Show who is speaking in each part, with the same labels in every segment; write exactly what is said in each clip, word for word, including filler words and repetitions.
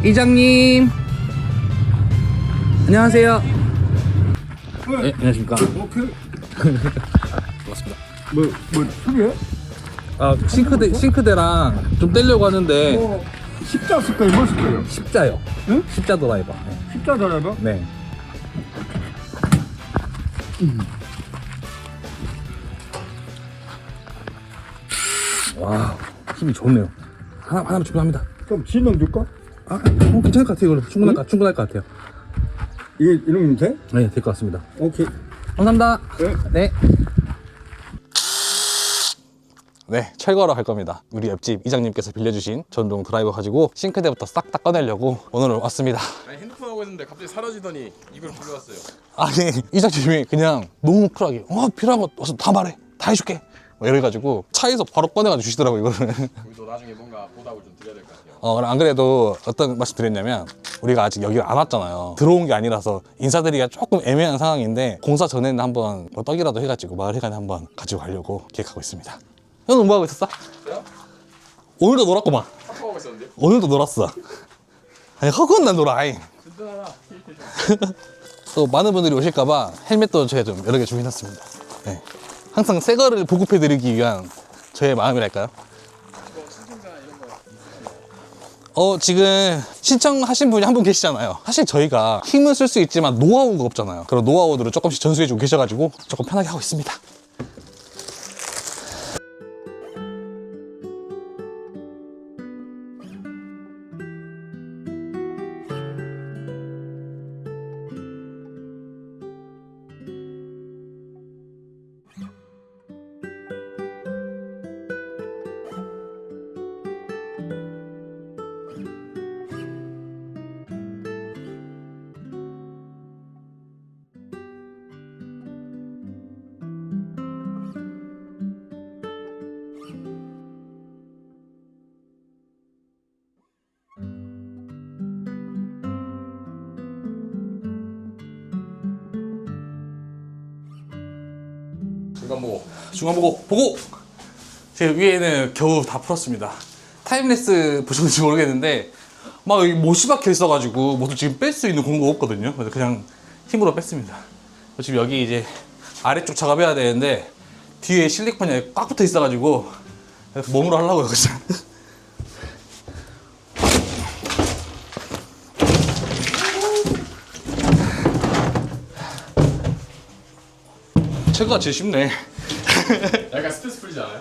Speaker 1: 이장님 안녕하세요. 네, 안녕하십니까.
Speaker 2: 어, 그,
Speaker 1: 반갑습니다.
Speaker 2: 뭐, 뭐, 술이야?
Speaker 1: 아, 싱크대, 싱크대랑 좀 떼려고 하는데
Speaker 2: 어, 십자 쓸 거예요? 뭐 쓸 거예요?
Speaker 1: 십자요.
Speaker 2: 응?
Speaker 1: 십자 드라이버. 네.
Speaker 2: 십자 드라이버?
Speaker 1: 네.
Speaker 2: 음.
Speaker 1: 와, 힘이 좋네요. 하나, 하나만 충분합니다.
Speaker 2: 그럼 진동 줄까?
Speaker 1: 아, 어, 괜찮을 것 같아요. 이걸로 충분할, 것, 충분할 것 같아요.
Speaker 2: 이게 이러면 돼?
Speaker 1: 네, 될 것 같습니다.
Speaker 2: 오케이.
Speaker 1: 감사합니다.
Speaker 2: 네.
Speaker 1: 네. 네, 철거하러 갈 겁니다. 우리 옆집 이장님께서 빌려주신 전동 드라이버 가지고 싱크대부터 싹 다 꺼내려고 오늘 왔습니다.
Speaker 3: 아니 핸드폰 하고 있는데 갑자기 사라지더니 이걸 불러왔어요.
Speaker 1: 아니, 이장님이 그냥 너무 쿨하게 어 필요한 거 와서 다 말해, 다 해줄게 뭐 이래가지고 차에서 바로 꺼내가지고 주시더라고요 이거를.
Speaker 3: 우리도 나중에 뭔가 보답을 좀 드려야 될 것 같아요.
Speaker 1: 어, 안 그래도 어떤 말씀 드렸냐면 우리가 아직 여기 안 왔잖아요. 들어온 게 아니라서 인사드리기가 조금 애매한 상황인데 공사 전에는 한번 뭐 떡이라도 해가지고 마을 회관에 한번 가지고 가려고 계획하고 있습니다. 형은 뭐 하고 있었어?
Speaker 3: 저요?
Speaker 1: 오늘도 놀았구만.
Speaker 3: 탁구하고 있었는데?
Speaker 1: 오늘도 놀았어. 아니 허구는 난 놀아. 아이.
Speaker 3: 든든하다.
Speaker 1: 또 많은 분들이 오실까봐 헬멧도 제가 좀 여러 개 준비해놨습니다. 네. 항상 새 거를 보급해드리기 위한 저의 마음이랄까요?
Speaker 3: 신청자 이런 거.
Speaker 1: 어, 지금 신청하신 분이 한 분 계시잖아요. 사실 저희가 힘을 쓸 수 있지만 노하우가 없잖아요. 그런 노하우들을 조금씩 전수해주고 계셔가지고 조금 편하게 하고 있습니다.
Speaker 3: 중간 보고.
Speaker 1: 중간 보고 보고 제 위에는 겨우 다 풀었습니다. 타임레스 보셨는지 모르겠는데 막 여기 못이 박혀 있어가지고 모두 지금 뺄 수 있는 공구가 없거든요. 그래서 그냥 힘으로 뺐습니다. 지금 여기 이제 아래쪽 작업해야 되는데 뒤에 실리콘이 꽉 붙어 있어가지고 몸으로 하려고요. 그래서 제가 제일 쉽네.
Speaker 3: 약간 스트레스 풀리지 않아요?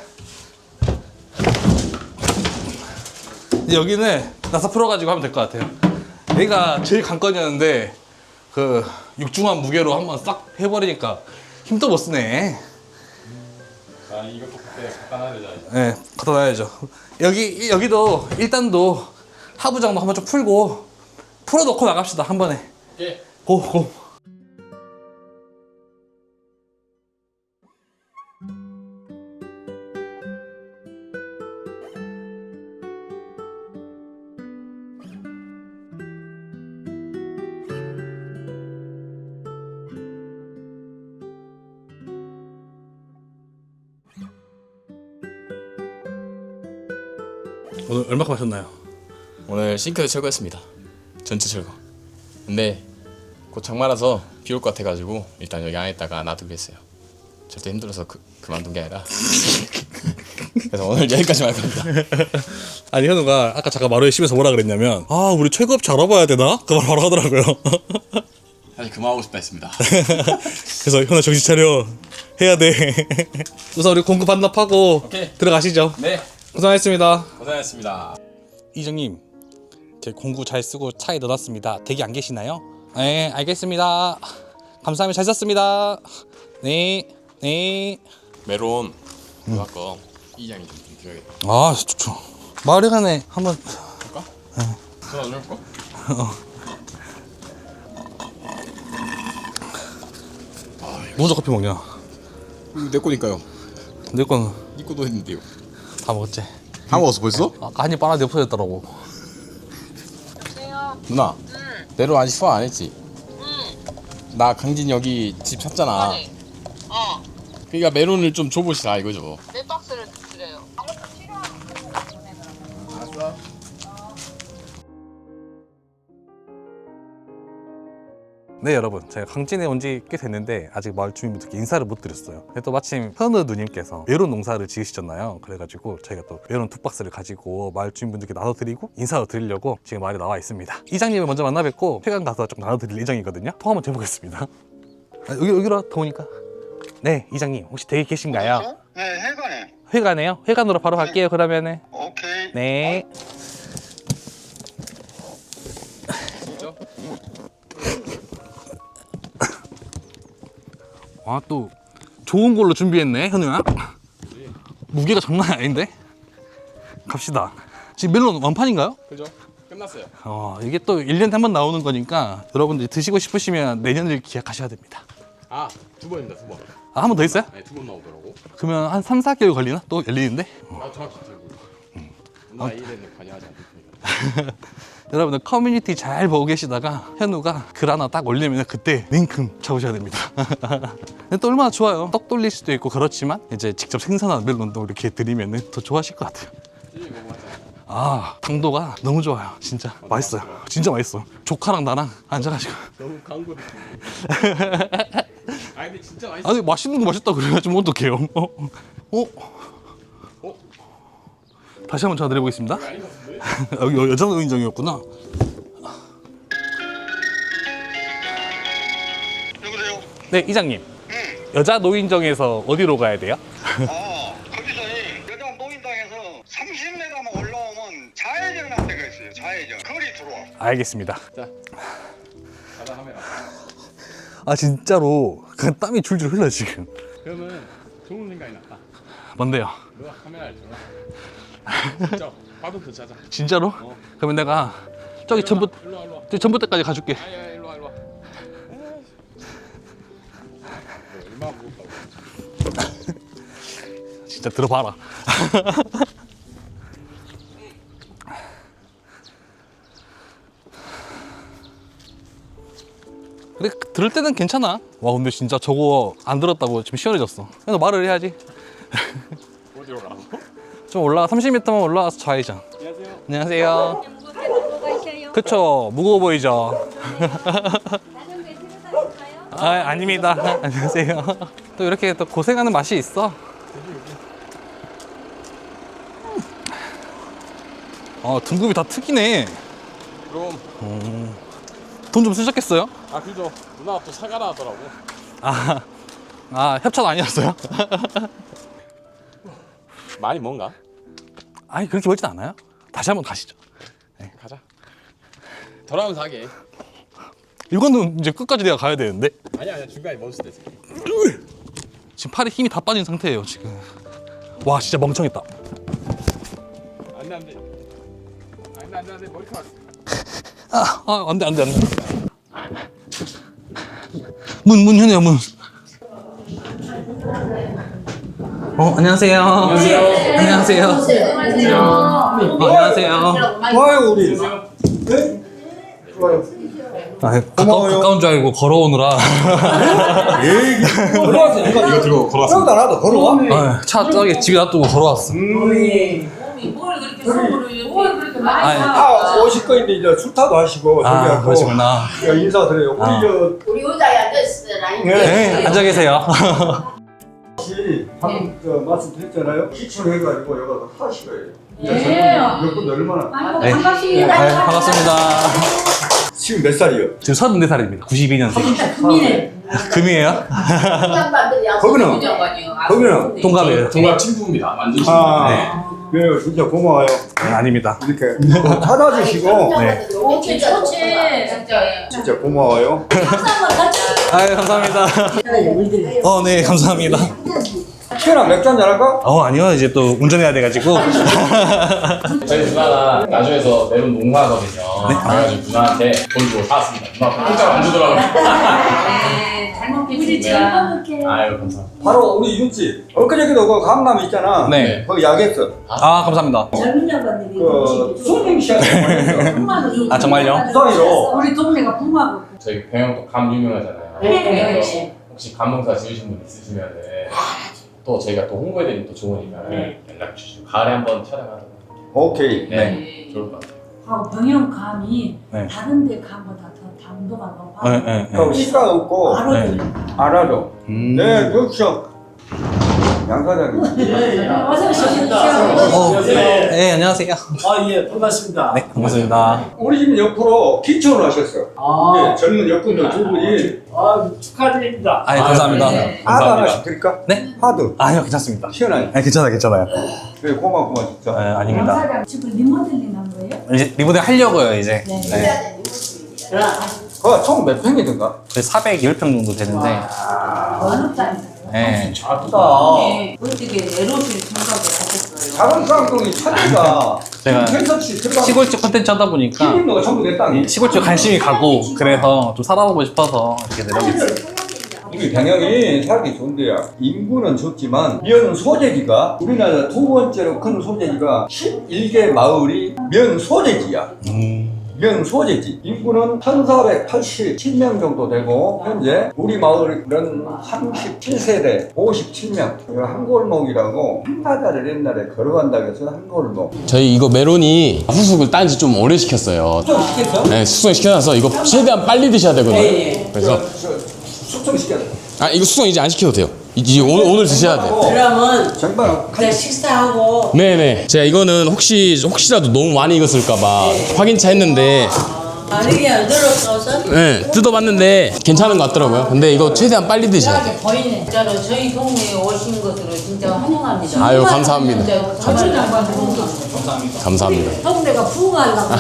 Speaker 1: 여기는 나사 풀어가지고 하면 될 것 같아요. 얘가 제일 관건이었는데 그 육중한 무게로 한번 싹 해버리니까 힘도 못 쓰네.
Speaker 3: 아 이것도 그때 갖다 놔야 되잖아요.
Speaker 1: 네, 갖다 놔야죠. 여기 여기도 일단도 하부장도 한번 좀 풀고 풀어놓고 나갑시다 한 번에.
Speaker 3: 오케이.
Speaker 1: 고 고. 오늘 얼마큼 하셨나요?
Speaker 3: 오늘 싱크대 철거했습니다. 전체 철거. 근데 곧 장마라서 비 올 것 같아가지고 일단 여기 안에다가 놔두기로 했어요. 절대 힘들어서 그, 그만둔 게 아니라. 그래서 오늘 여기까지만 할 겁니다.
Speaker 1: 아니 현우가 아까 잠깐 마루에 심해서 뭐라 그랬냐면 아 우리 최고업체 알아봐야 되나? 그 말 바로 하더라고요.
Speaker 3: 사실 그만하고 싶다 했습니다.
Speaker 1: 그래서 현우 정신 차려 해야 돼. 우선 우리 공급 반납하고
Speaker 3: 오케이.
Speaker 1: 들어가시죠.
Speaker 3: 네.
Speaker 1: 고생하셨습니다.
Speaker 3: 고생하셨습니다.
Speaker 1: 이정님, 제 공구 잘 쓰고 차에 넣어놨습니다. 대기 안 계시나요? 네, 알겠습니다. 감사합니다. 잘 썼습니다. 네, 네.
Speaker 3: 메론 그거 아까 이장이 좀 드려야겠다.
Speaker 1: 아, 좋죠. 마을회관에 한번.
Speaker 3: 볼까? 전화 좀 해볼까?
Speaker 1: 무조 커피 먹냐?
Speaker 3: 이거 내 거니까요.
Speaker 1: 내 거는
Speaker 3: 네 거도 했는데요.
Speaker 1: 다 먹었지.
Speaker 3: 다 먹었어 벌써?
Speaker 1: 아까 한입 빨아내 없어졌더라고.
Speaker 3: 누나 내로 아직 소화 안 했지? 나 강진 여기 집 샀잖아.
Speaker 4: 아니, 어,
Speaker 3: 그러니까 메론을 좀 줘보시라 이거죠.
Speaker 4: 몇 박스를 드려요.
Speaker 3: 알았어.
Speaker 1: 네 여러분, 제가 강진에 온 지 꽤 됐는데 아직 마을 주민분들께 인사를 못 드렸어요. 근데 또 마침 현우 누님께서 메론 농사를 지으시잖아요. 그래가지고 저희가 또 메론 두 박스를 가지고 마을 주민분들께 나눠드리고 인사를 드리려고 지금 마을에 나와 있습니다. 이장님을 먼저 만나 뵙고 회관 가서 좀 나눠드릴 예정이거든요. 통화 한번 해보겠습니다. 아, 여기, 여기로 더우니까. 네 이장님, 혹시 댁에 계신가요?
Speaker 4: 네, 해관에.
Speaker 1: 회관에요? 회관으로 바로 갈게요 그러면은.
Speaker 4: 오케이.
Speaker 1: 네.
Speaker 3: 진짜?
Speaker 1: 아, 또 좋은 걸로 준비했네 현우야. 무게가 장난 아닌데? 갑시다. 지금 멜론 완판인가요?
Speaker 3: 그죠? 끝났어요.
Speaker 1: 어, 이게 또 일 년에 한 번 나오는 거니까 여러분들 드시고 싶으시면 내년을 기약하셔야 됩니다.
Speaker 3: 아, 두 번입니다, 두 번.
Speaker 1: 아, 한 번 더 있어요?
Speaker 3: 네, 두 번 나오더라고.
Speaker 1: 그러면 한 삼, 사 개월 걸리나? 또 열리는데?
Speaker 3: 아, 정확히 들고. 나 이 일에는 관여하지 않습니다.
Speaker 1: 여러분들 커뮤니티 잘 보고 계시다가 현우가 글 하나 딱 올리면 그때 링크 잡으셔야 됩니다. 근데 또 얼마나 좋아요. 떡 돌릴 수도 있고 그렇지만 이제 직접 생산한 멜론도 이렇게 드리면 더 좋아하실 것 같아요.
Speaker 3: 이거 맞아.
Speaker 1: 아, 당도가 너무 좋아요. 진짜 맛있어요. 진짜 맛있어. 조카랑 나랑 앉아가지고.
Speaker 3: 너무 광고 느낌. 아, 근데 진짜 맛있어.
Speaker 1: 아니 맛있는 거 맛있다 그래가지고 어떡해요. 어? 어?
Speaker 3: 어?
Speaker 1: 다시 한번 전화드려보겠습니다.
Speaker 3: 아닌 것 같은데?
Speaker 1: 여기 여- 여자 노인정이었구나.
Speaker 4: 여보세요?
Speaker 1: 네 이장님,
Speaker 4: 응.
Speaker 1: 여자 노인정에서 어디로 가야 돼요?
Speaker 4: 아, 거기서 이 여자 노인당에서 삼십 미터만 올라오면 좌회전한 데가 있어요. 좌회전. 거리 들어와.
Speaker 1: 알겠습니다.
Speaker 3: 자, 가다 카메라.
Speaker 1: 아 진짜로 그냥 땀이 줄줄 흘러 지금.
Speaker 3: 그러면 좋은 생각이 났다.
Speaker 1: 뭔데요?
Speaker 3: 너가 카메라를 들어. 진짜 파도트 찾아.
Speaker 1: 진짜로?
Speaker 3: 어.
Speaker 1: 그러면 내가 저기 전부
Speaker 3: 일로 와, 일로 와.
Speaker 1: 저기 전부대까지 가줄게.
Speaker 3: 아야, 일로 와, 일로 와. 너 얼마나 무겁다고.
Speaker 1: 진짜 들어봐라. 그래 들을 때는 괜찮아. 와 근데 진짜 저거 안 들었다고 지금 시원해졌어. 그래서 말을 해야지.
Speaker 3: 어디로 가라고?
Speaker 1: 좀 올라가 삼십 미터만 올라가서 좌회전.
Speaker 3: 안녕하세요.
Speaker 1: 안녕하세요.
Speaker 5: 무겁게 들고 가셔요.
Speaker 1: 그쵸, 무거워 보이죠?
Speaker 5: 자전거에 들고 가실까요?
Speaker 1: 아 아닙니다. 안녕하세요. 또 이렇게 또 고생하는 맛이 있어. 아 등급이 다 특이네.
Speaker 3: 그럼.
Speaker 1: 돈 좀 쓰셨겠어요?
Speaker 3: 아, 그죠. 누나가 또 사가라 하더라고.
Speaker 1: 아, 아 협찬 아니었어요?
Speaker 3: 많이 뭔가?
Speaker 1: 아니 그렇게 멀진 않아요. 다시 한번 가시죠.
Speaker 3: 가자. 돌아오면서 하게.
Speaker 1: 이거는 이제 끝까지 내가 가야 되는데
Speaker 3: 아니야, 아니야. 중간에 멈출 때.
Speaker 1: 지금 팔에 힘이 다 빠진 상태예요 지금. 와 진짜 멍청했다.
Speaker 3: 안 돼, 안 돼. 안 돼, 안 돼, 안 돼. 머리카락.
Speaker 1: 아, 아 안돼 안돼 안돼. 문 문 현우야 문. 어 안녕하세요. 안녕하세요. 안녕하세요. 어, 안녕하세요.
Speaker 2: 좋아요 우리. 네? 좋아요.
Speaker 1: 아, 가까운, 가까운 줄 알고 걸어오느라.
Speaker 2: 에이 걸어왔어. 이거
Speaker 3: 이거 들고 걸어왔어.
Speaker 2: 생각 안 하다 걸어와?
Speaker 1: 아, 차 저기 집에 놔두고 걸어왔어.
Speaker 5: 뭘 그렇게 속으로 뭘 그렇게 많이
Speaker 1: 아니,
Speaker 2: 아 오실 거인데 이제 술타도 하시고
Speaker 1: 아
Speaker 2: 저기하고
Speaker 1: 그러시구나.
Speaker 2: 야, 인사드려요. 우리
Speaker 1: 아.
Speaker 2: 저
Speaker 6: 우리 의자에 앉아있으라.
Speaker 1: 네 앉아 계세요.
Speaker 2: 혹시 방금 저 말씀드렸잖아요. 시청해가지고 여기 하실 거예요.
Speaker 5: 예.
Speaker 2: 몇분 얼마나?
Speaker 1: 네.
Speaker 5: 반갑습니다.
Speaker 1: 네, 반갑습니다.
Speaker 2: 지금 몇 살이요?
Speaker 1: 지금 서른네 살입니다. 구십이 년생.
Speaker 5: 금이네.
Speaker 1: 금이에요?
Speaker 6: 양반들이
Speaker 2: 거기는 거기는
Speaker 1: 동갑이에요.
Speaker 3: 동갑 친구입니다. 완전 친구.
Speaker 2: 아 네, 진짜 고마워요.
Speaker 1: 네, 아닙니다.
Speaker 2: 이렇게 찾아주시고
Speaker 1: 네.
Speaker 5: 좋지 좋지. 진짜.
Speaker 2: 진짜 고마워요.
Speaker 5: 한번 같이.
Speaker 1: 아유 감사합니다. 어, 네 감사합니다.
Speaker 2: 시원한 맥주 한잔 할까?
Speaker 1: 어 아니요 이제 또 운전해야 돼가지고.
Speaker 3: 저희 누나가 나주에서 메론 농사하거든요. 그래가지고 누나한테 돈 주고 사왔습니다. 누나 공짜로 안 주더라고요.
Speaker 5: 네, 잘 먹겠습니다.
Speaker 3: 아유, 감사합니다.
Speaker 2: 바로 우리 윤씨 엊그저께도 그 강남 있잖아.
Speaker 1: 네.
Speaker 2: 거기 약했어.
Speaker 1: 아 감사합니다.
Speaker 5: 젊은 양반들이
Speaker 2: 그 손님 씨한테
Speaker 1: 아 정말요?
Speaker 2: 부산이로
Speaker 5: 우리 동네가 붕하고.
Speaker 3: 저희 병영도 감 유명하잖아요.
Speaker 5: 네.
Speaker 3: 그래서 혹시 감농사 지으신 분 있으시면은 또 저희가 또 홍보해드리면 또 좋으니까 연락 주시고 가을에 한번 촬영하도록.
Speaker 2: 오케이.
Speaker 3: 네, 좋을 것 같아요.
Speaker 7: 아, 병영 감이
Speaker 1: 네.
Speaker 7: 다른 데 감보다 더
Speaker 5: 당도가 너무
Speaker 1: 네,
Speaker 5: 많아.
Speaker 1: 네,
Speaker 2: 그럼 시가 없고
Speaker 5: 바로
Speaker 1: 네.
Speaker 5: 들려.
Speaker 2: 알아도.
Speaker 1: 음.
Speaker 2: 네, 그렇죠. 양 사장님.
Speaker 5: 어서 오십시오.
Speaker 1: 어, 네, 안녕하세요.
Speaker 7: 아, 예, 반갑습니다.
Speaker 1: 네, 반갑습니다.
Speaker 2: 우리 집 옆으로 기촌을 하셨어요.
Speaker 7: 아.
Speaker 2: 네, 젊은 여군들 두 분이
Speaker 7: 아, 축하드립니다.
Speaker 1: 아, 예, 감사합니다.
Speaker 5: 네.
Speaker 2: 하드 하나씩
Speaker 1: 감사합니다.
Speaker 2: 드릴까?
Speaker 1: 네?
Speaker 2: 하드.
Speaker 1: 아니요, 괜찮습니다.
Speaker 2: 시원하게.
Speaker 1: 네, 괜찮아요, 괜찮아요.
Speaker 2: 그래, 고맙구만 진짜.
Speaker 1: 네, 아닙니다.
Speaker 5: 사장 지금 리모델링 한 거예요?
Speaker 1: 이제 리모델 하려고요, 이제.
Speaker 5: 네.
Speaker 1: 네.
Speaker 2: 그거 총 몇 평이든가?
Speaker 1: 사백십 평 정도 되는데.
Speaker 5: 어느 땅이에요?
Speaker 1: 네.
Speaker 2: 작다.
Speaker 5: 어떻게 에로실 생각을 하셨어요?
Speaker 2: 작은 쌍둥이 차대가
Speaker 1: 제가
Speaker 2: 텐서치 들어가.
Speaker 1: 시골집 콘텐츠 하다 보니까
Speaker 2: 키우는 전부 내 땅이.
Speaker 1: 시골집 관심이 가고 그래서 좀 살아보고 싶어서 이렇게 내려오겠어요.
Speaker 2: 우리 당연히 살기 좋은데요. 인구는 적지만 면 소재지가 우리나라 두 번째로 큰 소재지가 십일 개 마을이 면 소재지야.
Speaker 1: 음.
Speaker 2: 면 소재지. 인구는 천사백팔십칠 명 정도 되고 현재 우리 마을은 삼십칠 세대 오십칠 명. 한 골목이라고 한바다를 옛날에 걸어간다고 해서 한 골목.
Speaker 3: 저희 이거 메론이 후숙을 딴 지 좀 오래 시켰어요.
Speaker 2: 숙성 시켰어?
Speaker 3: 네, 숙성 시켜놔서 이거 최대한 빨리 드셔야 되거든요. 그래서
Speaker 2: 숙성 시켰어.
Speaker 3: 아 이거 숙성 이제 안 시켜도 돼요. 이제 오늘 오늘 드셔야 돼요.
Speaker 6: 그러면
Speaker 2: 정말
Speaker 6: 그냥 식사하고
Speaker 3: 네네. 제가 이거는 혹시 혹시라도 너무 많이 익었을까봐 확인차 했는데
Speaker 6: 만약에 안 들어서서
Speaker 3: 네 뜯어봤는데 괜찮은 것 같더라고요. 근데 이거 최대한 빨리 드셔야 돼요.
Speaker 6: 보이네. 진짜로 저희 동네에 오신 것으로 진짜 환영합니다.
Speaker 3: 아유, 감사합니다.
Speaker 6: 진짜 정말 장관 좋은 거.
Speaker 3: 감사합니다.
Speaker 5: 동네가 부흥하려고.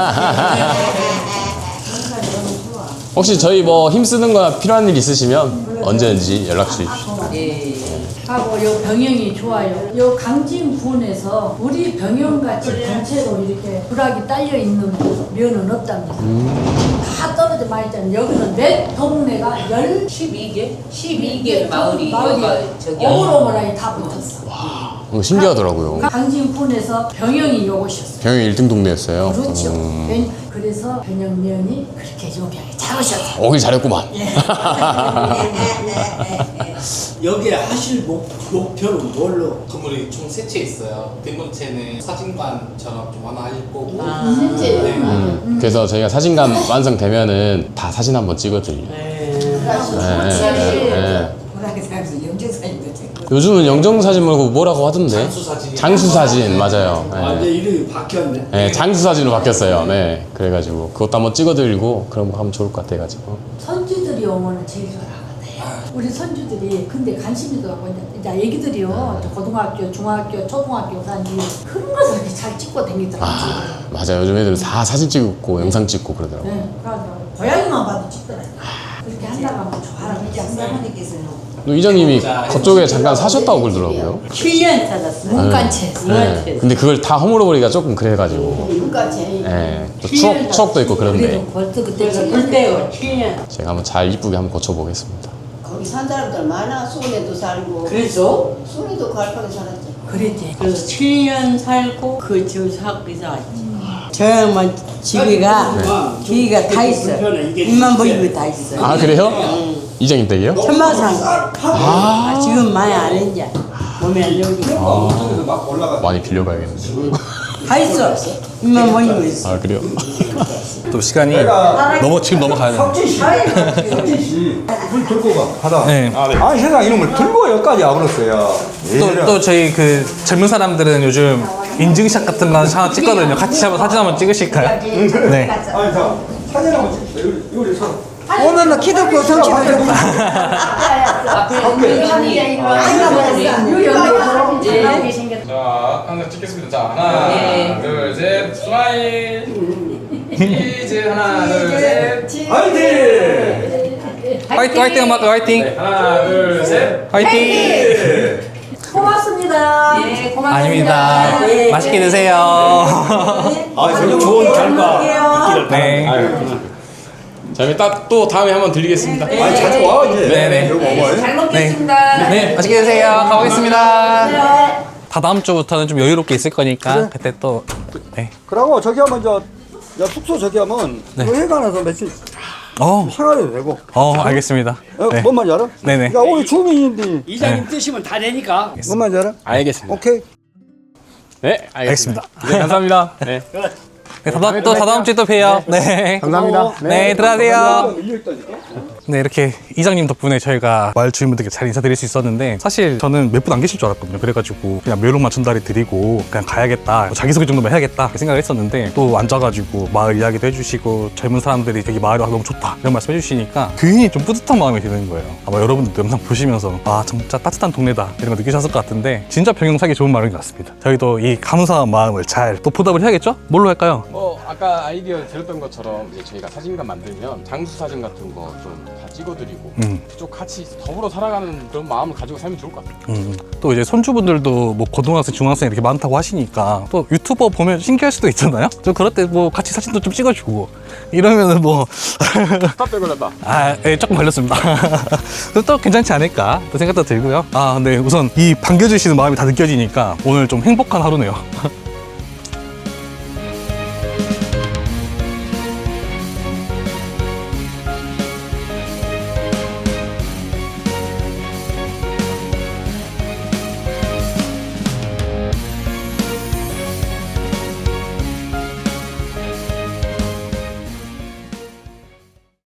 Speaker 3: 혹시 저희 뭐 힘쓰는 거나 필요한 일 있으시면 언제든지 연락 주십시오.
Speaker 6: 예.
Speaker 5: 하고 요 병영이 좋아요. 요 강진군에서 우리 병영같이 전체로 이렇게 불악이 딸려 있는 면은 없답니다. 다 떨어져 많이 있잖아요. 여기는 내 동네가 열
Speaker 6: 십이 개? 십이 개 마을이
Speaker 5: 마을이
Speaker 6: 여가 저기
Speaker 5: 오물오물하게 다 붙었어.
Speaker 3: 어, 신기하더라고요.
Speaker 5: 강진군에서 병영이 요것이었어요.
Speaker 3: 병영 일 등 동네였어요.
Speaker 5: 그렇죠.
Speaker 3: 음.
Speaker 5: ven- 그래서 병영면이 그렇게 요기하게 잘 오셨어요.
Speaker 3: 오길 잘했구만.
Speaker 7: 여기에 하실 목, 목표는 뭘로?
Speaker 1: 건물이 총 세 채 있어요. 뒷 번째는 사진관처럼 좀 하나 할 거고.
Speaker 6: 진짜
Speaker 3: 음. 그래서 저희가 사진관 완성되면은 다 사진 한번 찍어드리고. 네, 네, 네. 요즘은 영정사진 말고 뭐라고 하던데?
Speaker 1: 장수사진이요.
Speaker 3: 장수사진, 맞아요.
Speaker 7: 아,
Speaker 3: 네.
Speaker 7: 내 이름이 바뀌었네.
Speaker 3: 네, 장수사진으로 바뀌었어요. 네, 그래가지고 그것도 한번 찍어드리고 그런 거 하면 좋을 것 같아가지고.
Speaker 5: 선주들이 오면은 제일 좋아하거든요. 우리 선주들이 근데 관심이 더라고 이제 애기들이요 고등학교, 중학교, 초등학교 산지 그런 것을 이렇게 잘 찍고 다니더라고요.
Speaker 3: 아, 맞아요. 요즘 애들 다 사진 찍고 영상 찍고 그러더라고요.
Speaker 5: 네, 그래서 고양이만 봐도 찍더라고요. 그렇게 한다고 하면 좋아하라고 장사모님께서는
Speaker 3: 또 이장님이 그쪽에 잠깐 사셨다고 그러더라고요.
Speaker 6: 칠 년 살았어요.
Speaker 5: 문간체에서
Speaker 3: 네. 근데 그걸 다 허물어버리기가 조금 그래가지고.
Speaker 6: 문까지.
Speaker 3: 네. 또 추억, 추억도 있고 그런데
Speaker 5: 그래도 벌써 그때
Speaker 6: 그래서
Speaker 5: 칠 년
Speaker 6: 그때요. 칠 년.
Speaker 3: 제가 한번 잘 이쁘게 한번 고쳐보겠습니다.
Speaker 6: 거기 산 사람들 많아. 수원에도 살고.
Speaker 5: 그래서
Speaker 6: 수원에도 갈파게 살았죠.
Speaker 5: 그랬지.
Speaker 8: 그래서 칠 년 살고 그 집을 사고 이사 왔지. 저 양반 집이가 기기가 다 있어요. 입만 보이고 다 있어요.
Speaker 3: 아 그래요? 이장님 댁이요?
Speaker 8: 천마산. 아, 지금 많이 안 했냐. 몸이 안 좋으니까.
Speaker 2: 엉뚱해서 막 올라가.
Speaker 3: 많이 빌려가야겠는데.
Speaker 8: 다 있어. 입만 보이고 있어.
Speaker 3: 아 그래요?
Speaker 1: 또 시간이
Speaker 2: 내가
Speaker 1: 넘어 지금 넘어가야 돼요.
Speaker 2: 석진 씨, 석진 씨, 물 들고 가. 가다.
Speaker 1: 네.
Speaker 2: 아니 세상 이놈을 들고 여기까지 와버렸어요.
Speaker 1: 또, 또 저희 그 젊은 사람들은 요즘 인증샷 같은 거 하나 찍거든요. 같이 한번 사진 한번 찍으실까요? 네.
Speaker 2: 아니 자 사진 한번 찍읍시다. 여기 여기 서.
Speaker 8: 오늘은 키도 크고 성취도 좋고.
Speaker 3: 자, 항상 찍겠습니다. 자, 하나, 둘, 셋, 스마일. 치즈 하나, 둘, 셋.
Speaker 2: 화이팅!
Speaker 1: 화이팅 화이팅 한번 할까요? 화이팅.
Speaker 3: 하나, 둘, 셋.
Speaker 1: 화이팅.
Speaker 5: 고맙습니다.
Speaker 6: 네, 고맙습니다.
Speaker 1: 아닙니다. 맛있게 드세요.
Speaker 7: 아, 저는 좋은 결과 있기를
Speaker 1: 네.
Speaker 7: 바랍니다.
Speaker 3: 자, 딱 또 다음에 한번 드리겠습니다.
Speaker 2: 아니 자주 와 이제.
Speaker 1: 네네.
Speaker 2: 여기 먹어요.
Speaker 6: 잘 먹겠습니다.
Speaker 1: 네, 맛있게 드세요. 가보겠습니다. 다 다음 주부터는 좀 여유롭게 있을 거니까 그때 또 네.
Speaker 2: 그러고 저기 하면 저, 저 숙소 저기 하면
Speaker 1: 네.
Speaker 2: 그 해가 나서 며칠
Speaker 1: 어,
Speaker 2: 생활해도 되고.
Speaker 1: 어, 알겠습니다.
Speaker 2: 어,
Speaker 1: 네.
Speaker 2: 뭔 말인지 알아?
Speaker 1: 네네.
Speaker 2: 야 오늘 주민인데
Speaker 7: 이장님 뜨시면 다 되니까.
Speaker 2: 뭔 말인지 알아?
Speaker 3: 알겠습니다.
Speaker 2: 오케이.
Speaker 3: 네, 알겠습니다. 네, 감사합니다. 네.
Speaker 1: 네, 다다음, 또 다다음 주에 또 봬요. 네.
Speaker 7: 감사합니다.
Speaker 1: 네, 들어가세요.
Speaker 2: 밀려있다니까?
Speaker 1: 네, 이렇게 이장님 덕분에 저희가 마을 주민분들께 잘 인사드릴 수 있었는데 사실 저는 몇 분 안 계실 줄 알았거든요. 그래가지고 그냥 묘록만 전달해 드리고 그냥 가야겠다, 자기소개 정도만 해야겠다 생각을 했었는데 또 앉아가지고 마을 이야기도 해주시고 젊은 사람들이 여기 마을이 와서 너무 좋다 이런 말씀 해주시니까 괜히 좀 뿌듯한 마음이 드는 거예요. 아마 여러분들도 영상 보시면서 아 진짜 따뜻한 동네다 이런 거 느끼셨을 것 같은데 진짜 병영 살기 좋은 마을인 것 같습니다. 저희도 이 감사한 마음을 잘 또 보답을 해야겠죠? 뭘로 할까요?
Speaker 3: 뭐 아까 아이디어 들었던 것처럼 이제 저희가 사진관 만들면 장수 사진 같은 거 좀 다 찍어드리고
Speaker 1: 음.
Speaker 3: 그쪽 같이 더불어 살아가는 그런 마음을 가지고 살면 좋을 것 같아요.
Speaker 1: 음, 또 이제 손주분들도 뭐 고등학생, 중학생 이렇게 많다고 하시니까 또 유튜버 보면 신기할 수도 있잖아요? 저 그럴 때 뭐 같이 사진도 좀 찍어주고 이러면은 뭐
Speaker 3: 탑대 걸렸다.
Speaker 1: 아, 예, 조금 걸렸습니다. 또 괜찮지 않을까 또 생각도 들고요. 아, 근데 우선 이 반겨주시는 마음이 다 느껴지니까 오늘 좀 행복한 하루네요.